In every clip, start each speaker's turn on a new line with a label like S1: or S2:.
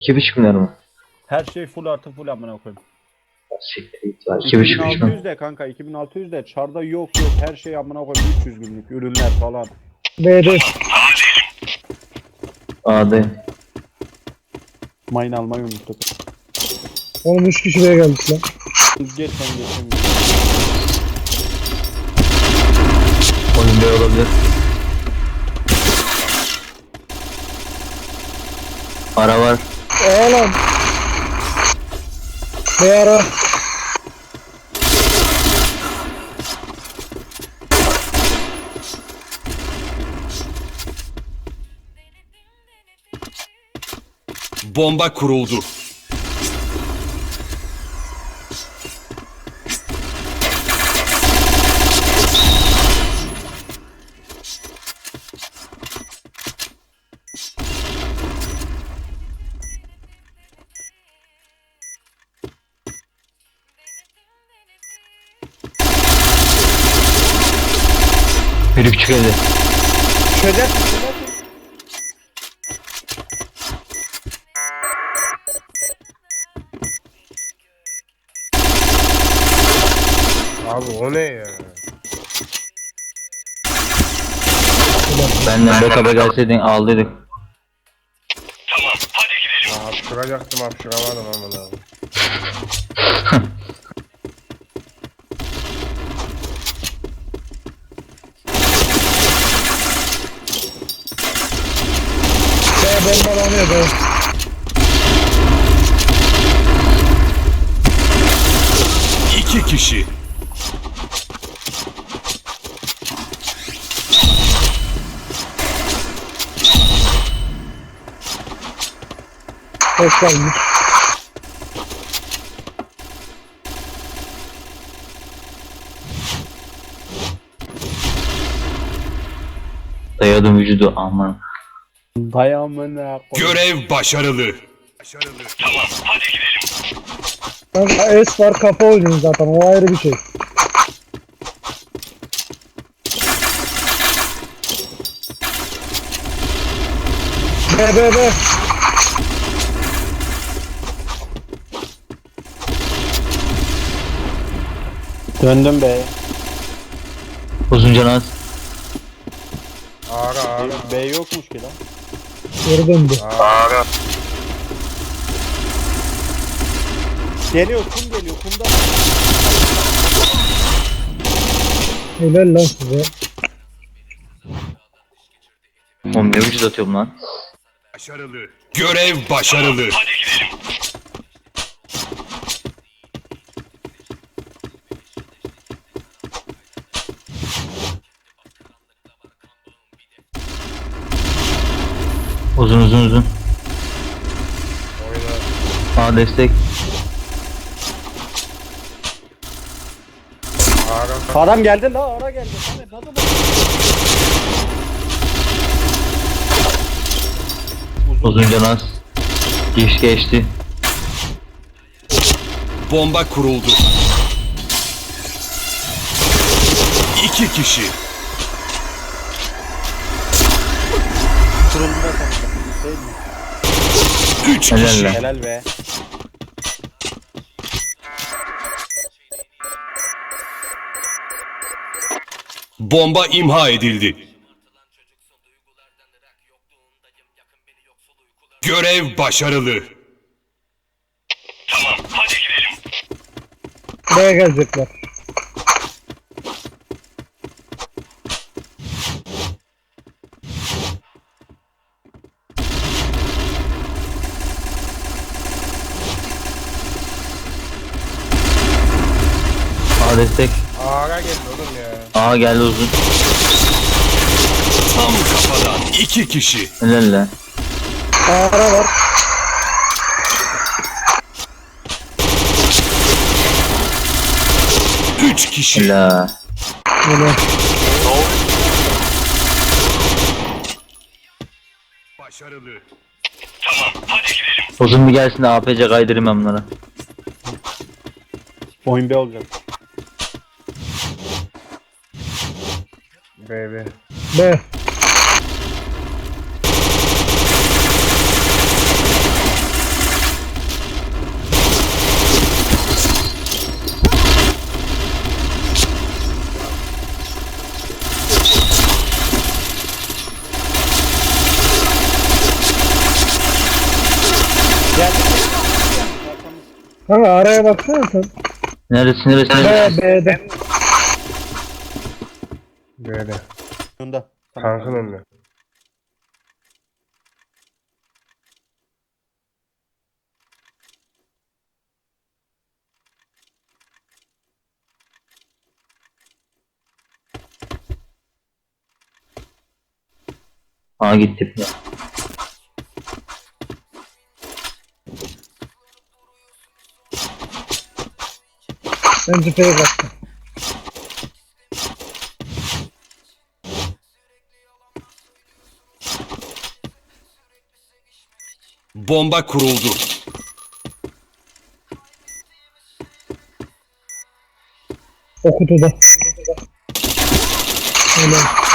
S1: 2,5 milyar mı?
S2: Her şey full artı full amına koyayım.
S1: Siktir git var. 2,5 milyon.
S2: 2600 de kanka 2600 de çarda yok her şey amına koyayım 300 günlük ürünler falan.
S3: B'de.
S1: A'da.
S2: Mayın almayı unuttuk.
S3: Oğlum 3 kişi B'ye geldik lan.
S2: Geç sen geçeyim.
S1: Oyun B olabilir. Ara var.
S3: Oğlum. B ara.
S4: Bomba kuruldu.
S1: Biri küçük evde.
S2: Çözersin.
S5: Abi o ne ya?
S1: Benden backup'a gelseydin aldıydık.
S5: Ya hapşıracaktım hapşıramadım amına abi.
S3: B bombalanıyor B.
S4: İki kişi.
S3: Hoş geldin.
S1: Dayadım vücudu aman.
S2: Dayamına koy.
S4: Görev başarılı.
S3: Kanka S var kafa oynuyor zaten o ayrı bir şey. B.
S2: Döndüm be.
S1: Uzun canaz.
S5: Ara ara.
S2: B yokmuş ki lan.
S3: Geri döndü.
S5: Ara.
S2: Geliyor kum geliyor kumda.
S3: Helal lan size.
S1: Oğlum ne vücut atıyorum lan.
S4: Başarılı. Görev başarılı.
S1: Uzun.
S5: Oyna.
S1: A destek.
S5: Ara.
S2: Adam geldi la ara geldi. Samet hadi bak.
S1: Uzun canaz. Geçti.
S4: Bomba kuruldu. İki kişi.
S2: Kırıldı da kanka. Değil mi?
S4: Üç
S1: Helal
S4: kişi.
S1: lan.
S2: Helal be.
S4: Bomba imha edildi. Görev başarılı.
S3: B'ye gelecekler.
S1: A destek.
S5: Ara geldi oğlum ya.
S1: A geldi uzun.
S4: Tam kafadan. İki kişi.
S1: Helal lan.
S3: Ara var.
S4: Üç kişi.
S1: Helal.
S3: Helal.
S4: Başarılı.
S1: Uzun bir gelsin de APC kaydırayım ben bunlara.
S2: Oyun B olacak.
S5: B.
S3: B.
S2: Gel.
S3: Kanka araya baksana sen.
S1: Neresi?
S3: B'de.
S5: Böyle.
S2: Yanında.
S5: Tankın önüne.
S1: Aa gitti.
S3: Ben cepheye baktım.
S4: Bomba kuruldu.
S3: O kutuda. Öyle.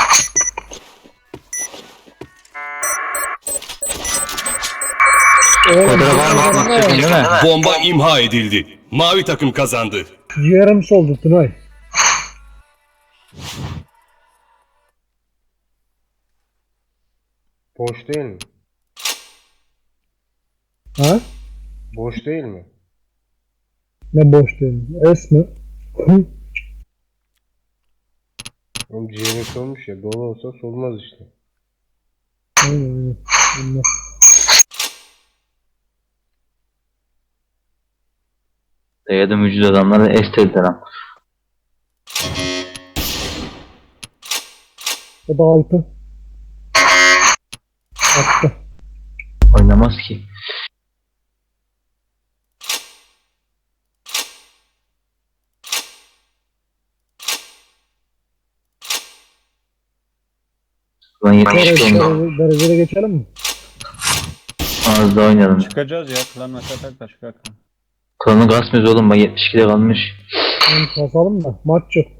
S1: Kodra var mı? Atmak istiyorsun değil mi?
S4: Bomba imha edildi. Mavi takım kazandı.
S3: Ciğerim soldu Tunay.
S5: Boş değil mi?
S3: Ha?
S5: Boş değil mi?
S3: Ne boş değil. Es mi?
S5: Oğlum ciğerin solmuş ya. Dolu olsa solmaz işte.
S3: Aynen. Bilmem.
S1: Dayadım vücut adamları esteldiler ama.
S3: O da 6. Attı.
S1: Oynamaz ki. Lan 72 oldu.
S3: Derecede geçelim mi?
S1: Az daha oynayalım.
S2: Çıkacağız ya. Klan atak da çıkar.
S1: Klanı kasmıyoruz oğlum. Bak 72'de kalmış.
S3: Basalım da maç yok.